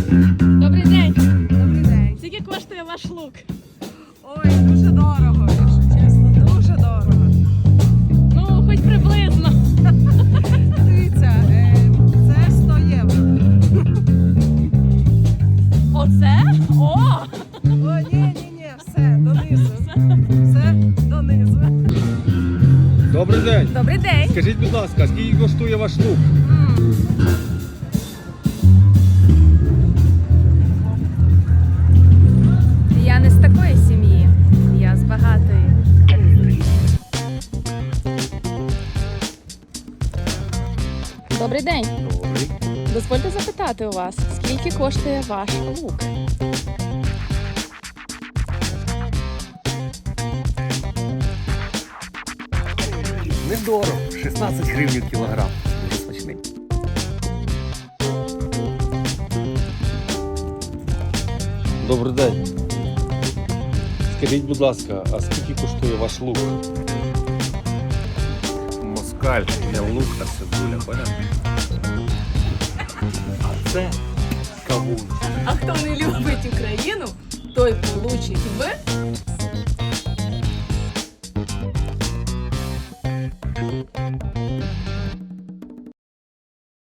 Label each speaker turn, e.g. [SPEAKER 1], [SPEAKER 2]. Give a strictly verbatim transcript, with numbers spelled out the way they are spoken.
[SPEAKER 1] Добрий день.
[SPEAKER 2] Добрий день.
[SPEAKER 1] Скільки коштує ваш лук?
[SPEAKER 2] Ой, дуже дорого, якщо чесно, дуже дорого.
[SPEAKER 1] Ну, хоч приблизно.
[SPEAKER 2] Дивіться, е, це сто євро.
[SPEAKER 1] Оце? О!
[SPEAKER 2] О, ні, ні, ні, все, донизу. Все донизу.
[SPEAKER 3] Добрий день.
[SPEAKER 1] Добрий день.
[SPEAKER 3] Скажіть, будь ласка, скільки коштує ваш лук?
[SPEAKER 1] Я не з такої сім'ї, я з багатої. Добрий день.
[SPEAKER 3] Добрий.
[SPEAKER 1] Дозвольте запитати у вас, скільки коштує ваш лук?
[SPEAKER 3] Недорого. шістнадцять гривень кілограм. Дуже смачний. Добрий день. Скажіть, будь ласка, а скільки коштує ваш лук? Москаль, не лук, а цибуля, понятно? А це кавун.
[SPEAKER 4] А хто не любить Україну, той получить в